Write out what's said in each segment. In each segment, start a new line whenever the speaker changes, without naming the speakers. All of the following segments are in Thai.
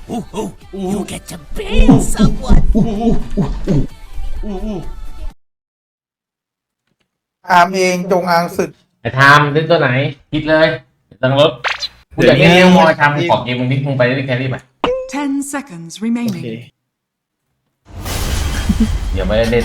You get to bang someone.
อาร์มเองจงอางศึก
ไอ้ทามเล่นตัวไหนคิดเลยตังรถกูอยากเล่นเลี้ยงมอยทำขอเกมมึงนิดมึงไปเล่นแครี่ไป
10 seconds remaining.
อย่าไม่ได้เล่น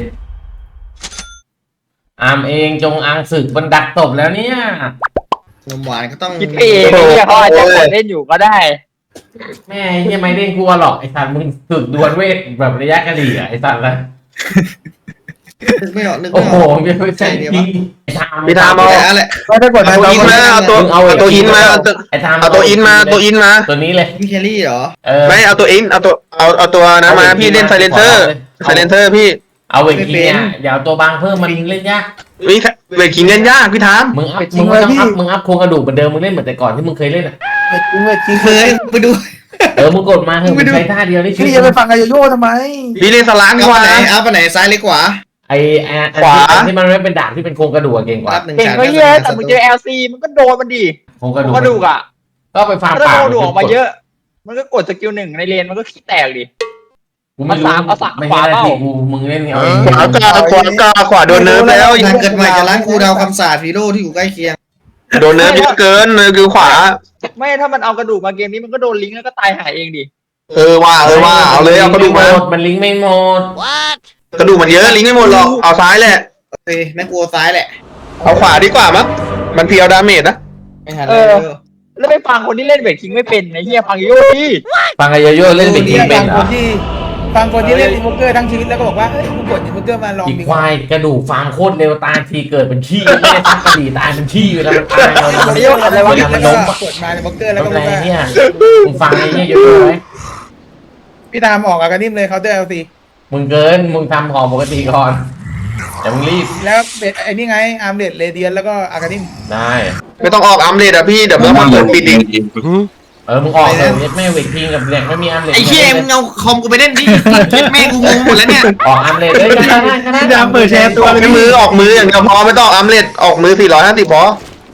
อาร์มเองจงอางศึกมันดักตบแล้วเนี่ย
นมหวานก็ต้อง
คิดไปเองเนี่ยเขาอาจจะกดเล่นอยู่ก็ได้
แม่ยังไม่เล่นกลัวหรอกไอ้สัตว์มึงฝึกดวลเวทแบบระยะกระดี่อะไอ้สัตว์ละ
นึกไม่ออกนึก
โอ้
ไม่อ
โห
อก
ไม่ใช่จริงไอ้ทาม
พี่ทามเอา
แต่อะไร
ไม่ได้กด
เอาตัวอินมาเอาตัวอินมา
ไอ้ทาม
เอาตัวอินมาตัวอินมา
ตัวนี้เลย
พี่แครี่เหรอ
ไม่เอาตัวอินเอาตัวนะมาพี่เล่นไซเลนเซอร์พี่
เอาเวทคิงเนี่ยอย่าเอาตัวบางเพิ่มมันเล่นยาก
วิเวทคิงเล่นยากพี่ทาม
มึงไม่ต้องอัพมึงอัพโครงกระดูกเหมือนเดิมมึงเล่นเหมือนแต่ก่อนที่มึงเคยเล่นอ่ะ
จริง
เคยไปดู
มึงกดมาเถอะมึงใช้ท่าเดียวนี่
พี่จะไปฟังไอโยโย่ทำไม
พี่เล่นสลามดี
เอา
ก
ไป
ว่า
ไหนเอาไปไหนซ้ายเล็กขวา
ไอ้ที่มันไม่เป็นดาบที่เป็นโครงกระดูกเก่งกว่า
รับหนึ่ง
เก่ง
ฉาก
ก็เยอะแต่มึงเจอ LC มันก็โดนมันดิ
โครงกระดู
กระดูกอ่ะ
ก็ไปฟาร์ม
ถ้า
ป่า
โดนดูออกมาเยอะ มันก็กดสกิลหนึ่งในเลนมันก็ขี้แตกดิ
กูไม่รู้
เอาสาม
ไม่
ขวา
ใช่หน้า
เปล่า
ที่กูมึงเล่นเอาเอง
ขวาโดนเนิร์ฟแล้ว
นานเกิดใหม่จะล้างครูดาวคำสาปฮีโร่ที่อยู่ใกล้เคียง
โดนเนิร์ฟเยอะเกินเลยคือขวา
ไม่ถ้ามันเอากระดูกมาเกมนี้มันก็โดนลิงก์แล้วก็ตายหายเองดิ
ว่าเอาเลยเอากระดูกมา
มันลิงก์ไม่หมด
กระดูกมันเยอะลิงก์ไม่หมดหรอกเอาซ้ายแหละ
โอเคแม่งกลัวซ้ายแหละ
เอาขวาดีกว่ามั้งมันเพียวดาเมจนะ
ไม่ทันเลย
แล้วไปฟังคนที่เล่นเวทคิงไม่เป็นไอ้เหี้ยฟังโยดิ
ฟังกันเยอะๆเล่นเป็นทีมเป็นเหรอ
ฟังคนที่เล่นอินโวเกอร์ทั้งชีวิตแล้วก็บอกว่าเฮ้ยกูกดอินโวเกอร์มาลอง
อีก
ดิ
ควายกระดูกฟาร์มโคตรเร็วตายทีเกิดเป็นขี้ไม่ได้ทักกระดี่ตายเป็นขี้เวลามันตายเรา
ไอ้โยอะไรวะ
เวลามัน
แล้ว
ล้ม
ก็
อะ
กดมาในโวเกอร์แล้วก็
ทำ
บ
ไร
อกว่า
เนี่ยมึงฟังไอ้เนี่ยเยอะๆไหม
พี่ตามออกอาการนิ่มเลยเขาน์เตอร์เอลซี
มึงเกินมึงทำของปกติก่อนแต่มึงรีบ
แล้วไอ้นี่ไงอาร์มเดดเรเดียนแล้วก็อาการนิ่ม
ได้
ไม่ต้องออกอัมเลดอะพี่เดี๋ยวเรามาเปิดปิดเอง
มึงออกเลยแม่เวททีมกับแหลกไม่มีอันเลย
ไอ้เคียมึงเอาคอมกูไปเล่นดิแม่งกูงงหมดแล้วเนี่ย
ออกอันเลยได้ก็ได้
ดามเปิดแชร์ตัว
ออกมืออย่างเดียวพอไม่ต้องอัมเลดออกมือ450พอ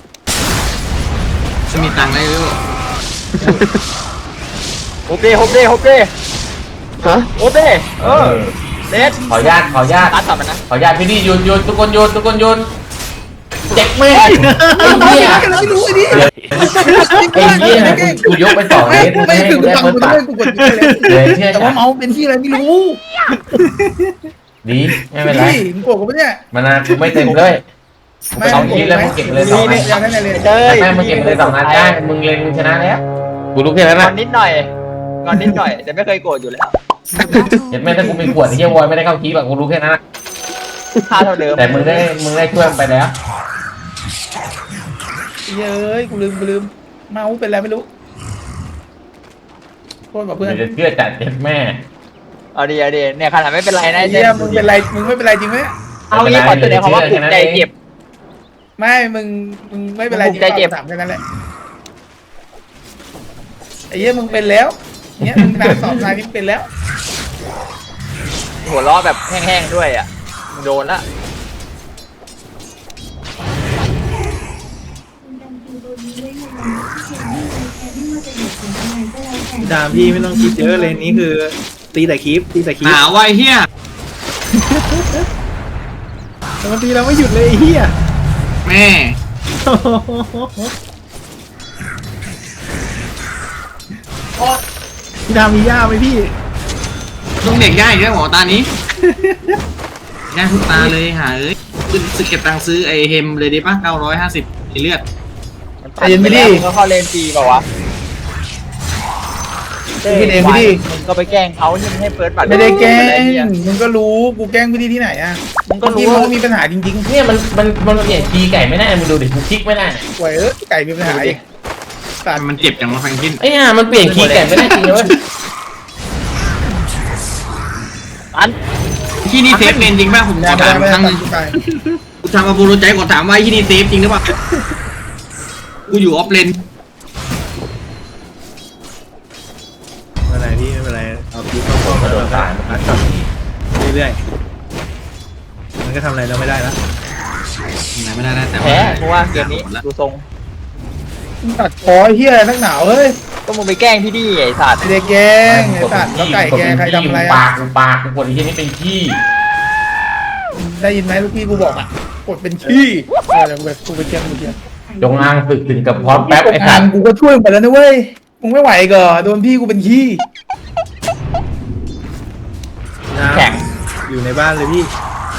จะมีตังค์ได้หรือเปล่า
โอเคโอเคโอเค
ฮะ
โอเคเลส
ขออนุญาต
ตัดสับมันนะ
ขออนุญาตพี่นี่หยุดทุกคนหยุดเจ็บแม่ไอ้เหี้ย
ไม่รู้ไอ้นี่
ไอ้เหี้ยกูยกไป2 เมตร
ไม่
ให้
คือ
กู
กู
ได้
ฟัง
เปิด
กู
ปาก
ด้วยกูกดเลย
เชื่อ
แต่ว่าเมาส์เป็นที่อะไรไม่รู้
ดีไม่เป็นไร
พี่มึงโกรธกูปะเนี่ย
มันนะกูไม่เต็มเลยสองทีแล้วมึงเก็บเลย2 นัด
อย่างนั้นเลย
เจ้ย
แม่มึงเก็บเลย2 นัดได้มึงเล่นมึงชนะแล้วกูรู้แค่นั้น
งอ
นะ
นนิดหน่อยงอนนิดหน่อยแต่ไม่เคยโกรธอยู่แล้ว
เห็นแม่ถ้ากูมีขวดไอ้เหี้ยวอยไม่ได้เข้าคีบอะกูรู้แค่นั้น
ค่าเท่าเดิม
แต่มึงได้ช่วยมันไปแล้ว
เย้ยกูลืมเมาส์เป็นอะไรไม่รู้โทษกับเพื่อน
เดี๋ยวจะเชื่อจัดเจ็บแม่
เอาดีเนี่ยขนาดไม่เป็นไรนะ
เยี่ยมึงเป็นไรมึงไม่เป็นไรจริงไหม
เอางี้ขอแสดงความว่าถูกใจเจ็บ
ไม่มึงไม่เป็นไรจริง
ใจเจ็บ
ถามแค่นั้นแหละไอ้เยี่ยมึงเป็นแล้วเนี่ยมึงนานสอบนายนี่เป็นแล้ว
หัวล้อแบบแห้งๆด้วยอ่ะโดนละ
ดามพี่ไม่ต้องคิดเยอะเลยนี่คือตีแต่คลิป
หนาวว่ะไอ้เฮีย
แต่มันตีเราไม่หยุดเลยไอ้เหี้ย
แม่
พี่ดามมีย่าไหมพี่
ต้องเด็กย่าอีกแล้วหมอตานี้ย่าทุกตาเลยหาเอ้ยซื้อเก็บตังค์ซื้อไอเฮมเลยดีป่ะ950ไอเลือด
ตัดไปแล้วมึงก็เข้าเลนฟรีเปล่าวะ
พี่เองพี่ดิ
มึงก็ไปแกล้งเขาที่ให้เฟิร์สบัตร
ไม่ได้แกล้งมึงก็รู้กูแกล้งพี่ดิที่ไหนอ่ะ
มึงก็รู้
ที่มันมีปัญหาจริง
เนี่ยมันเปลี่ยนคีย์ไก่ไม่ได้มึงดูดิกูคลิกไม่ได้
ๆป่วยไก่มีปัญหาอีกตัด
มันเจ็บจังวะแฟรงกิน
ไอ้ห่ามันเปลี่ยนคีย์ไก่ไม่ได้จริงเลยเว้ย
อัน
ที่นี่เซฟเป็นจริงป่ะผมขอถามครั้งนึง
ไป
กูทำมาบูรุใจกดถามว่าที่นี่เซฟจริงหรือเปล่ากูอยู่ออฟเลน
ไม่เป็นไรพี่ไม่เป็นไรเอาคลิปเข้า
มันโดน
ๆ
ตายมันตัด
เรื่อยๆมันก็ทำอะไรเราไม่ได้แล้ว
ไม่ได้แต่
แพ้เพราะว่าเกมนี้ดูทรง
ตัดคอเฮียนักหนาวเฮ้ย
ก็มึงไปแกล้งพี่ดิไอ้สัตว์
ไม่ได้แกงไอ้สัตว์แล้วไก่แกใครทำอะไร
ปา
อ่ะ
กกูปากกูกดไอ้ที่นี่เป็นขี้
ได้ยินไหมลูกพี่กูบอกอ่ะกดเป็นขี้เดี๋ยวกูไปเทียบกูเทียบ
จงอางศึกถึงกับพร้อมแป๊บไอ้สัตว์
กูก็ช่วยมึงไปแล้วนะเว้ยมึงไม่ไหวก็โดนพี่กูเป็นขี้
แข่ง
อยู่ในบ้านเลยพี่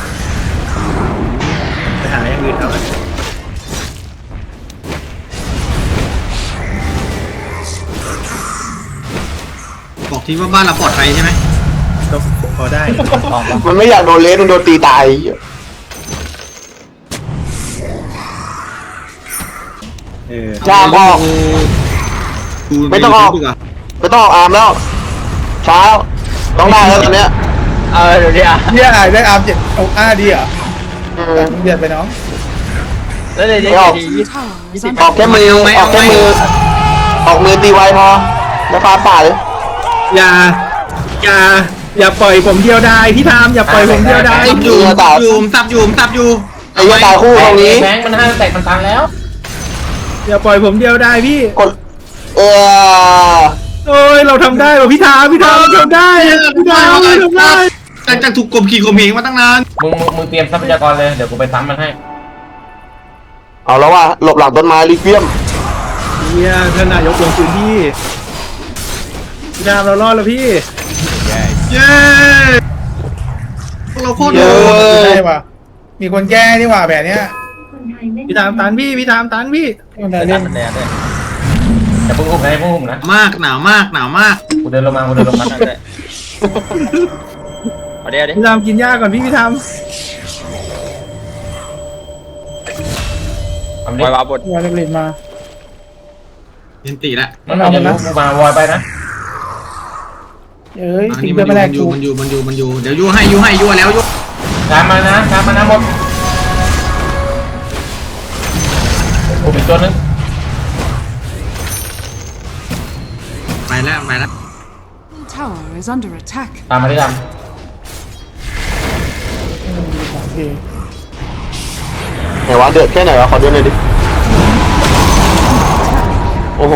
ไปหาอย่างอื่นเอาเลย
บอกทีว่าบ้านเราปลอดภัยใช่ไหม
ก็พอได้
มันไม่อยากโดนเลสมันโดนตีตาย จ้างออก ไม่ต้องออก
ดีกว่า
ไม่ต้องออกอาร์มแล้วเช้าต้องได้แล้วตอนเนี้ย
เดี๋ยวดิอ่ะ
เนี่ยได้อาร์มเจ็ดเอาดีเหรอ
อืม
เดือดไปน้อง
แล้วเดี๋ยว
ไม่ออก
ดี
Tower is
อ
under
อกแค่มือออกแค่มือออกมือตีไวพอแล้วฟาดป่าเลย
อย่าอย่าปล่อยผมเดียวได้พี่ทามอย่าปล่อยผมเดียวได้
ซับอยู่ซับอยู่ซับอยู่ซับอยู่
ไอ้เหี้ยตายคู่ตรงนี้
แบงค์มันห้าแตกมันตันแล้ว
อย่าปล่อยผมเดียวได้พี่
กดอ
โอ้ยเราทำได้ว่ะพี่ทามเราทำได้พี่ทามเราทำได้
หลังจากถูกกลมขี่ข่มเหงมาตั้งนาน
มึงเตรียมทรัพยากรเลยเดี๋ยวกูไปซ้ำมันให้
เอาแล้วว่ะหลบหลังต้นไม้ลิเวียม
เฮียท่านนายกลงพื้นที่พี่ทามเรารอดแล้วพี่
เย้พวกเราโคตร
เย
โห
อ
ด
ได้ป่ะมีคนแก้นี่หว่าแบบเนี้ย
พี่ทามตันพี่ทามตันพี่
คนไหน
ๆ
เล่น
มันแดงด้วย
อย่าเพิ่งอุ้มนะอย่าเพิ่งอุ้มนะ
มากหนาวมากหนาวมาก
กูเดินลงมา
นั่นด้วยเอาเดี๋ยวดิ
พี่ทามกินหญ้าก่อนพี่ทาม
ทำ
ป
ดิ
ล่อยวาบด
วอลเลนมา
เย็นตีละ
มันเอามันนะกูมาวอยไปนะ
เอ้ย
อัน
ทิ้
นี้
ง
มั
เพื่อน นมาแรก
อยู่
กู
มันอยู่เดี๋ยวยั่วให้ยั่วแล้วยั่ว
ตามมานะหมดกูเป็นตัวนึง
ไปแล้ว
Tower is under attack.
ตามมาที่ด
โอเค
ไหนวะเดือดแค่ไหนวะขอดูหน่อยดิโอ้โห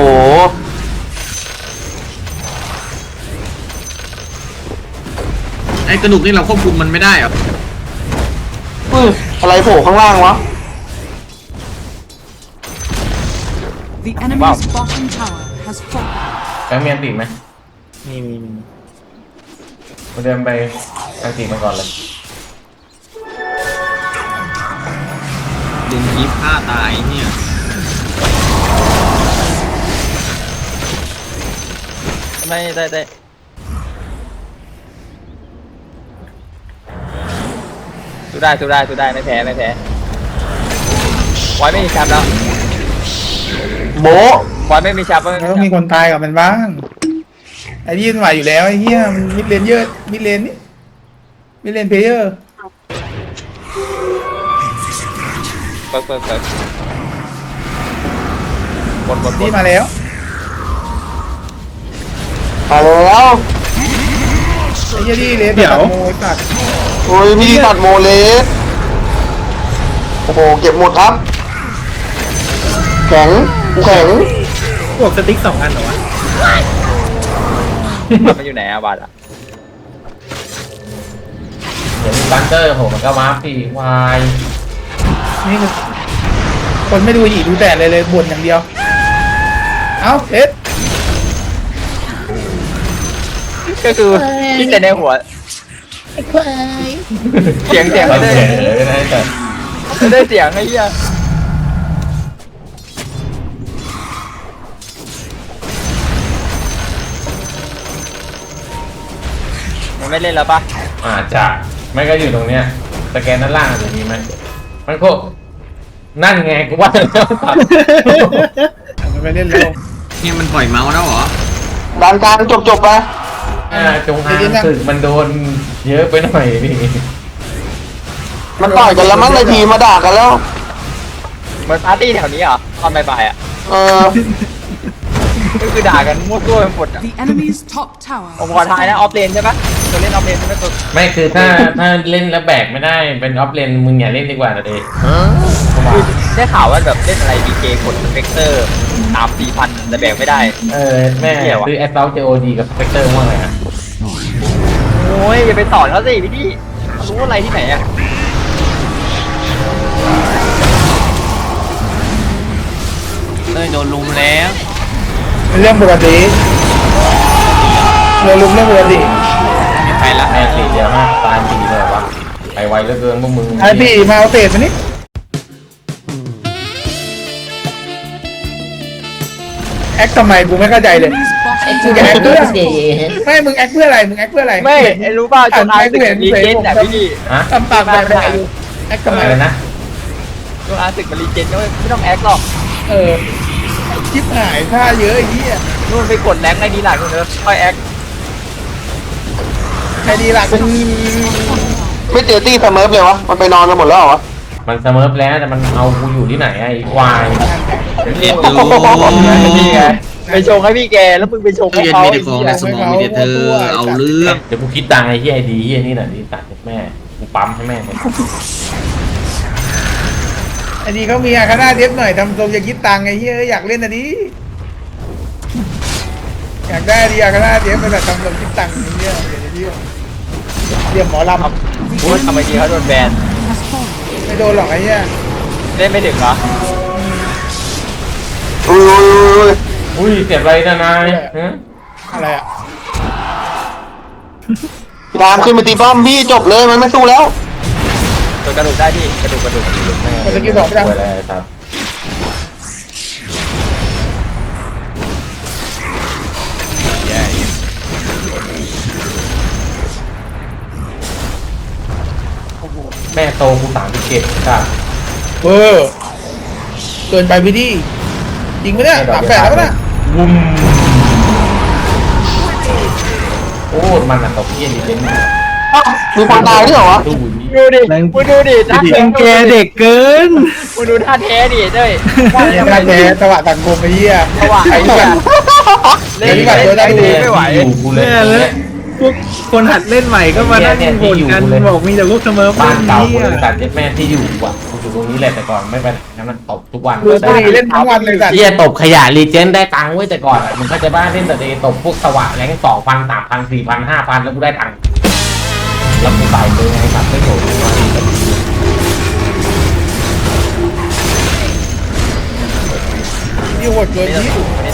ไอ้กระดูกนี่เราควบคุมมันไม่ได้เหรอ
อะไรโผล่ข้างล่างวะ
The enemy's bottom tower has fallen.
ำแบงค์มีอันติไหม
มี
กูเดินไปอันติมันก่อนเลย
เดินกีบฆ่าตายเนี่ย
ไม่ได้สู้ได้ไม่แพ้วอยไม่มีแชมป์แล้ว
โบะ
วอยไม่มีแชมป์
มันต้องมีคนตายกับมันบ้างไอ้ที่มันไหวอยู่แล้วไอ้เหี้ยมันมิดเลนเยอะมิดเลนนี่มิดเลนเพลเยอร์
เปิดบน
นี่มาแล้ว
มาแล้ว
ไอ้เหี้ยที่เลนตัดโมตัด
โอ้ยพี่ตัดโมเลสโอ้โหเก็บหมดครับ แข็งกูแข็ง
พวกสติ๊ก2 อันเหรอวะ
มันอยู่ไหนอะบาดอะ
เดี๋ยวมีบังเกอร์โหมันก็วาร์ปสิวาย
นี่คือคนไม่ดูหยีดูแต่เลยบ่นอย่างเดียวเอ้าเอ็ด
ก็คือคิดแต่ในหัวเสียง
มัน
ไม่
เฉยเลยนะแต่
ได้เสียงไอ้เหี้ยมันไม่เล่นแล้วปะ
อาจจะไม่ก็อยู่ตรงเนี้ยสแกนด้านล่างอาจจะมีไหมมันก็นั่นไงกูว่าแล้ว
มันไปเล่นแล้ว
เนี่ยมันปล่อยเมาส์แล้วเหรอ
ด้านกลางจบไป
จงอางศึกมันโดนเยอะไปหน่อยนี่
มันต่อยกันแล้วมั้งในทีมมาด่ากันแล้ว
เหมือนปาร์ตี้แถวนี้เหรอตอนบ่ายๆอ่ะ
เออ
ก็คือด่ากันมั่วตัวไปหมดอ่ะ
The enemy's top tower
ผมขอทายนะออฟเลนใช่ปะตัวเล่นออฟเลนใช่ไหมตัว
ไม่คือถ้าเล่นแล้วแบกไม่ได้เป็นออฟเลนมึงอย่าเล่นดีกว่านะเดย์
คือได้ข่าวว่าแบบเล่นอะไรดีเจกดสเปกเตอร์ตาม4,000แต่แบกไม่ได้
แม่ซื้อแอสซัลเจโอดีกับสเปกเตอร์ว่าไงฮะ
โอ้ยอย่าไปสอนเขาสิพี่รู้อะไรที่ไหนอ่ะโดนลุมแล้ว
เรื่องปกติเรื่องปกติ
ไปละ
แม่สีเดียวมากตายสีเลยวะไปไวเหลือเกินพวกมึง
ไอพี่มาเอาเศษมานี่แอคทำไมกูไม่เข้าใจเลย
enemy's bottom
มึงแอค
tower
เพื่อไม่มึงแอคเพื่ออะไรมึงแอคเพื่ออะไร
ไม่รู้ป่าวจนอาร์ตึกรีเจนแต่พี่
ฮะ
ทำปากแบบไหนอยู่แอคทำไม
อะไรนะ
จนอาร์ตึกมันรีเจนก็ไม่ต้องแอคหรอก
ชิบหายท่าเยอะไอ้เหี้ย
นู่นไปกดแรงในดีหลักนู่นเนอะค่อยแอค
ใครดีล่ะ
ไม่เจอตี้สเมิร์ฟเลยวะมันไปนอนกันหมดแล้วเหรอวะ
มันเสมอแล้วแต่มันเอากูอยู่ที่ไหนไอ้ควาย
เรียนดู
นี่ไงไปชงให้พี่แกแล้วมึงไปชงให้
เรียน
เขา
มีแต่ของในสมองมีแต่เธอเอาเรื่อง
เดี๋ยวกูคิดตังค์ไอ้เหี้ยไอ้ดีเหี้ยนี่หน่อยดิตัดแม่กูปั๊มให้แม่เลย
ไอ้นี่เขามีอาคาน่าเดฟหน่อยทำทรงจะคิดตังค์ไอ้เหี้ยอยากเล่นอันนี้อยากได้ดีอาคาน่าเดฟไปแบบทำทรงคิดตังค์ไอ้เหี้ยเดี๋ยวหมอลำ
พูดทำไมดีเขาโดนแบน
has fallen.
ไม่โดนหรอกไอ้เหี้ย
เล่นไม่ถึงเหรอ
อุ้ย
อุ้ยเจ็บอะไรนะนายฮะ
อะไรอ่ะ
พี่ทามขึ้นมาตีป้อมพี่จบเลยมันไม่สู้แล้ว
ตัวกระดูกได้พี่กระดูก
คนตะกี้บอกไม่ได้
ป่วยอะไรครับ แม่โตกู37ครับ
เกินไปพี่ดิจริงไหมเนี่ย38แล้วนะ
วุ้มโอ้มันอะตกเยี่ยนดิเป็น
อ้าวมีคนตายด้วยเหรอวะ
ตู้นี้
ดูดิมึงดูดิท่า
จริงแกเด็กเกิน
มึงดูท่าแท้ดิเด้ย
เนี่ยมาแพ้ตะวะต่างกลมไอ้เหี้ย
สว่าง
ไอ้
ไอ้
เหี้ย
เล่นไม่ไหว
อยู่กูเลย
เนี่ยแล้วพวกคนหัดเล่นใหม่ก็มานั่งบ่นกันบอกมีแต่พวกเสมอ
บ้านเก่า
นี้
บริษัทเจ็ดแม่ที่อยู่อ่ะกูอยู่ตรงนี้แหละแต่ก่อนไม่ไปไหนนั้นตบทุกวัน
ดูบุหรี่เล่นทั้งวันเลยสัตว์
เฮียตบขยะรีเจนได้ตังค์ไว้แต่ก่อนอ่ะมึงก็จะบ้านเล่นแต่เดย์ตบพวกสวะแรง2,000 3,000 4,000 5,000แล้วกูได้ตังค์แล้วกูใส่เลยไงสัตว์ไม่โหดมา
นี่โหดเกิน
ตรง
นี่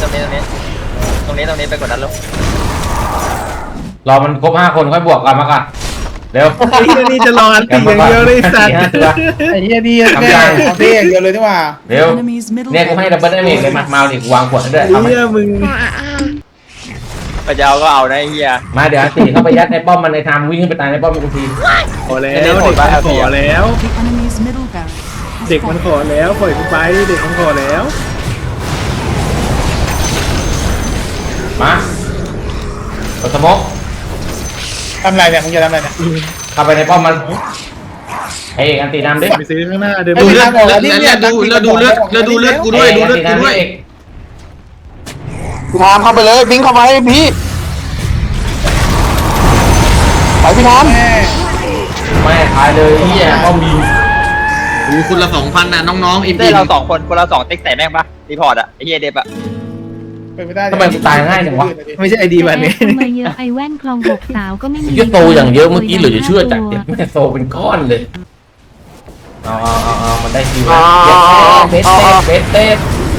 นี้ไปกดดันแล้ว
รอมันครบ5 คนค่อยบวกกันมาก่อนเร็ว
ไอ้เหี้ยนี่จะรออันตีอย่างเดียวเลยสัตว์
ไอ้เหี้ยนี่แม่ของเท่อย่างเดียวเลยนี่หว่า
เร็ว
Enemy's middle
เนี่ยกูให้ดับเบิลได้เมจเลยมาเอาดิกูวางขวดให้ด้วย
ไอ้
เอาไหม
เหี้ยมึง
ไปจะเอาก็เอานะไอ้เฮีย
มาเดี๋ยวตีเข้าไปยัดในป้อมมันในทางวิ่งขึ้นไปตายในป้อมมันกูที
ขอแล้วเด็กมันขอแล้ว
The enemy's middle barracks has
เด็กมัน
fallen.
ขอแล้วปล่อยกูไปเด็กมันขอแล้ว
มาตัวสมก
ทำไรเนี่ยมึงจะทำอะไรเนี่ย
เข้าไปในป้อมมันเฮ้ยอันตีน้ำดิ
ไปซื้อข้างหน้าเดิน
ดูเลือดแล้วดูเลือดกูด้วยดูเลือดกูด้วย
พี่ทามเข้าไปเลยพิงเข้าไปพี่ไปพี่ทาม
แม่
ไม่ตายเลยเฮียป้อมบี
ดูคุณละ 2,000นะน้องๆอิม
เต้เรา2 คนคนละ2ติ๊กใส่แม่งปะรีพอร์ตอะไอ้เฮียเดฟอะ
เป็นไม่ได้
ทำไมกูตายง่ายจังวะ
ไม่ใช่ไอดีแบบนี้
ทำไมเยอะไอแว่นคลอง6 สาวก็ไม่มี
เยอะโตอย่างเยอะเมื่อกี้เหลือจะเชื่อจากเจ็บแม่โตเป็นก้อนเลยเอามันได้คิวแล้วเบสเต้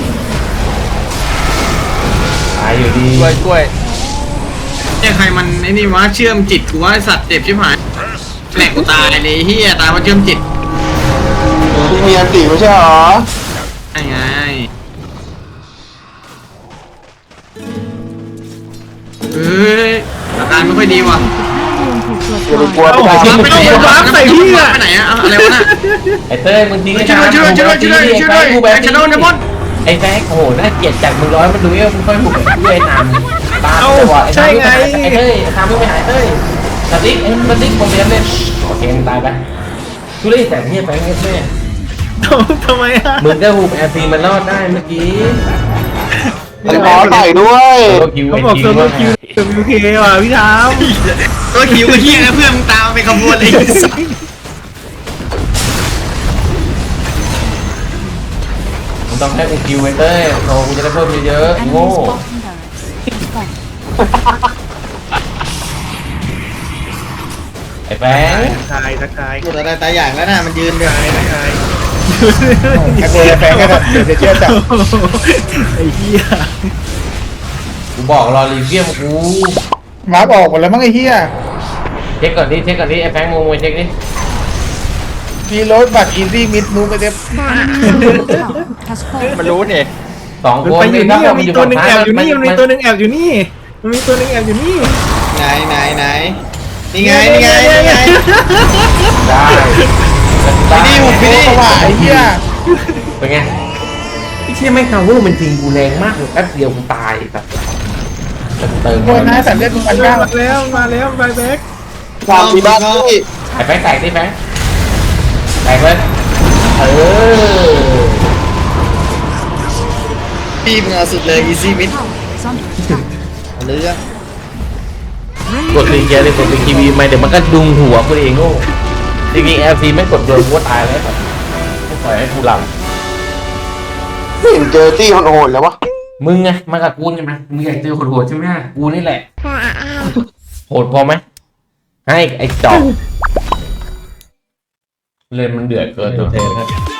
ตายอยู่ดี
ช่วย
เนี่ยใครมันไอ้นี่วะเชื่อมจิตกูว่าไอ้สัตว์เจ็บชิบหายแหลกกูตายเลยเฮียตายเพราะเชื่อมจิต
พี่มีอันตีไม่ใช่เหรอ
ไอ้ไงเฮ้ยอาการไม่ค่อยดีว่ะ
รวมถูกตรวจ
อย่าไป
สอบ
กลัวพี่ทาม
ไปไหนอะอะไรวะน่ะ
ไอ้เต้มึงทิ้ง
ช่วยด้วยไอ้ชาโดนนะบอส
ไอ้แฟกโอ้โหน่าเกลียดจากมึงร้อยมันดูเอวมึงค่อยบุกด้วยนำตามไอ้เต้ทำมึงไปหายเต้สติ๊กสติ๊กผมเรียนเล่นโอเคมึงตายไปทุเรศแต่เนี่ยแฟงแม่
ทำไมอ่ะ
มึงก็หูแอร์ซีมันรอดได้เมื่อกี้
ไอ้บอสใส่ด้วย
ตัวคิว
เขาบอกโซโลคิวWK ว่ะพี่ทาม
ตัวคิวก็เฮียนะเพื่อนมึงตามไปขบวนเลยไอ้สัส
มึงต้องให้กูคิวไว้เต้ยโอ้กูจะได้เพิ่มเยอะๆ
Enemy's
โง่
bottom barracks fallen.
ไอ้แฟง
ทักทาย
หมดอะไรตายอย่างแล้วนะมันยืนเลย
ทักทาย
ไอ้โบยแฟนก็เดี๋ยวจะเชื่อจับ
ไอ้เหี้ย
กูบอกรอรีเกียมกู
มาร์กออกหมดแล้วมั้งไอ้เหี้ย
เช็คก่อนดิไอ้แฟงมึงมาเช็คดิ
มีรถบัตรอีซี่มิดนูไปเต็ม
Enemy's tower has
มัน
fallen.
รู้นี่
สอง
มัน
คน
ไปอยู่นี่
ถ้า
มันมีตัวหนึ่งแอบอยู่นี่มันมีตัวหนึ่งแอบอยู่นี่มันมีตัวหนึ่งแอบอยู่นี่
ไหนนี่ไงนี่ไงนี่ไง
ได้
พี่ดิ
พี่นี่ว่าไอ้เหี้ย
เป็นไงไอ้เชี่ยไม่คาเวอร์มันจริงกูแรงมากเลยแป๊บเดียวกูตายแบบเติม
โคนนะสัตว์เลือดมึงมัน
มา
เก้า
แล้วไบแบ็ก
สามทีบ้านที่
ไอ้แฟงแตกดิแฟงแตกเลย
พี่มึงเอาสุดเลยอีซี่มิด
Tower is under attack.
เรือ
กดรีเกียร์เลยกดรีทีวีไม่เดี๋ยวมันก็ดุงหัวกูเองโง่จริงๆ LC ไม่กดโดนกูตายแล้วแบบปล่อยให้กูหลับ
ไม่เห็นเจอที่โหดๆแล้ววะ
มึงไงมากับกูใช่ไหมมึงอยากเจอโหดๆใช่ไหมกูนี่แหละโหดพอไหมให้ไอ้จอกเลยมันเดือดเกินตัวเทนครับ